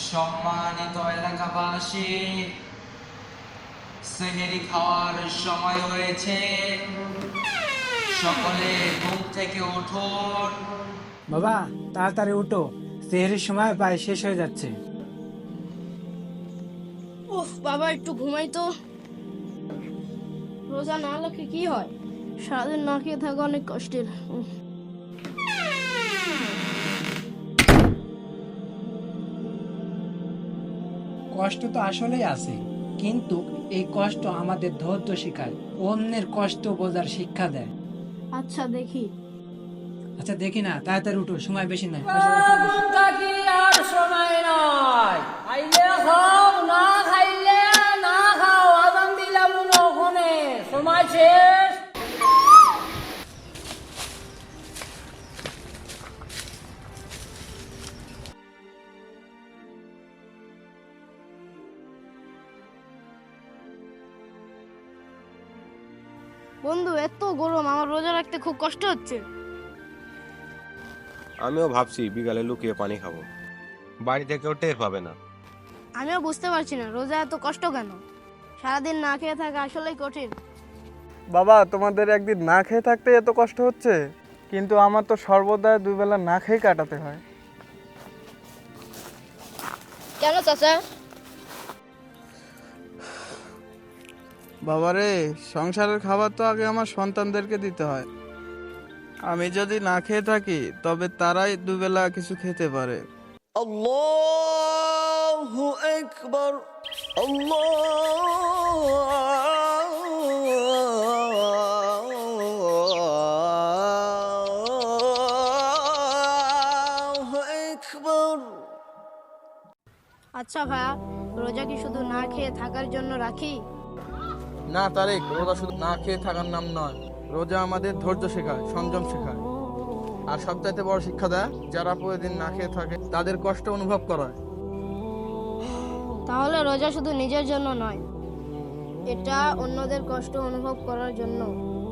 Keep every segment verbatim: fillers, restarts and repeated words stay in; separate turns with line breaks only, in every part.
সম্মানিত এলাকাবাসী, সেহরি খাওয়ার সময় হয়েছে। সকলে ঘুম থেকে উঠুন।
বাবা তাড়াতাড়ি উঠো, সেহরির সময় প্রায় শেষ হয়ে যাচ্ছে।
উফ বাবা, একটু ঘুমাই তো। রোজা না রাখলে কি হয়? সারাদিন না খেয়ে থাকা অনেক কষ্টের। উফ।
কষ্ট তো আসলেই আছে, কিন্তু এই কষ্ট আমাদের ধৈর্য শেখায়, অন্যের কষ্ট বোঝার শিক্ষা দেয়।
আচ্ছা দেখি।
আচ্ছা দেখি না, তাড়াতাড়ি উঠো, সময় বেশি নাই।
এখন থাকি আর সময় নয়, খাইলে খাও, না খাইলে না খাও। আজান দিলাম ওখানে, সময় শেষ।
বন্ধু, এত গরম, আমার রোজা রাখতে খুব কষ্ট হচ্ছে।
আমিও ভাবছি বিকালে লুকিয়ে পানি খাবো, বাড়িতে কেউ টের পাবে না।
আমিও বুঝতে পারছি না রোজা এত কষ্ট কেন। সারাদিন না খেয়ে থাকা আসলেই কঠিন।
বাবা, তোমাদের একদিন না খেয়ে থাকতে এত কষ্ট হচ্ছে, কিন্তু আমার তো সর্বদা দুই বেলা না খেয়ে কাটাতে হয়।
কেন চাচা?
বাবারে, সংসারের খাবার তো আগে আমার সন্তানদেরকে দিতে হয়। আমি যদি না খেয়ে থাকি তবে তারাই দুবেলা কিছু খেতে পারে। আল্লাহু আকবার, আল্লাহু আকবার।
আচ্ছা ভাইয়া, রোজা কি শুধু না খেয়ে থাকার জন্য রাখি?
না তারেক, রোজা শুধু না খেয়ে থাকার নাম নয়। রোজা আমাদের ধৈর্য শেখায়, সংযম শেখায়, আর সবচাইতে বড় শিক্ষা দেয় যারা প্রতিদিন না খেয়ে থাকে তাদের কষ্ট অনুভব করায়।
তাহলে রোজা শুধু নিজের জন্য নয়, এটা অন্যদের কষ্ট অনুভব করার জন্য।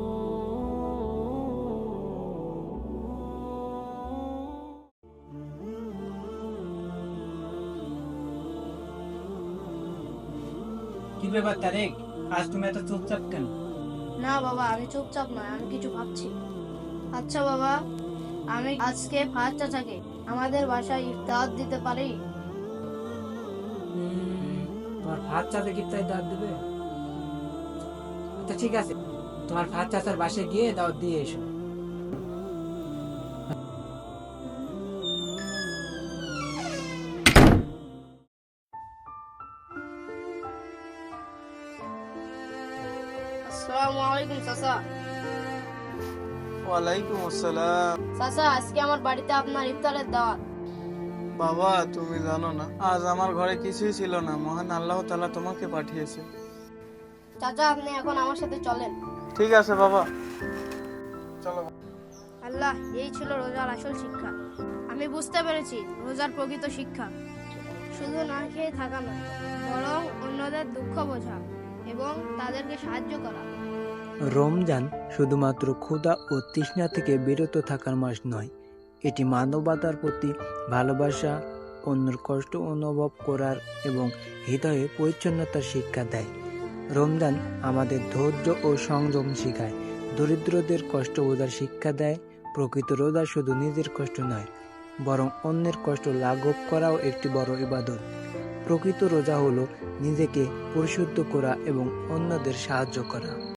কি ব্যাপার তারেক, আজ তুমি এত চুপচাপ কেন?
না বাবা, আমি চুপচাপ নয়, আমি কিছু ভাবছি। আচ্ছা বাবা, আমি আজকে ফাজ চাচাকে আমাদের বাসায় ইফতার দিতে পারি?
উম, তোমার ভাত চাচা কি তাই দাওয়াত দেবে? আচ্ছা ঠিক আছে, তোমার ভাত চাচার বাসায় গিয়ে দাওয়াত দিয়ে এসো।
আসসালামু আলাইকুম চাচা।
ওয়ালাইকুম আসসালাম।
চাচা, আজকে আমার বাড়িতে আপনার ইফতারের দাওয়াত।
বাবা, তুমি জানো না আজ আমার ঘরে কিছুই ছিল না, মহান আল্লাহ তাআলা তোমাকে পাঠিয়েছে।
চাচা, আপনি এখন আমার সাথে চলেন।
ঠিক আছে বাবা, চলো।
আল্লাহ, এই ছিল রোজার আসল শিক্ষা। আমি বুঝতে পেরেছি রোজার প্রকৃত শিক্ষা শুধু না খেয়ে থাকা নয়, বরং অন্যদের দুঃখ বোঝা এবং তাদেরকে সাহায্য করা।
রমজান শুধুমাত্র ক্ষুধা ও তৃষ্ণা থেকে বিরত থাকার মাস নয়, এটি মানবতার প্রতি ভালোবাসা, অন্যের কষ্ট অনুভব করার এবং হৃদয়ে পরিচ্ছন্নতার শিক্ষা দেয়। রমজান আমাদের ধৈর্য ও সংযম শেখায়, দরিদ্রদের কষ্ট বোঝার শিক্ষা দেয়। প্রকৃত রোজা শুধু নিজের কষ্ট নয়, বরং অন্যের কষ্ট লাঘব করাও একটি বড় ইবাদত। প্রকৃত রোজা হলো নিজেকে পরিশুদ্ধ করা এবং অন্যদের সাহায্য করা।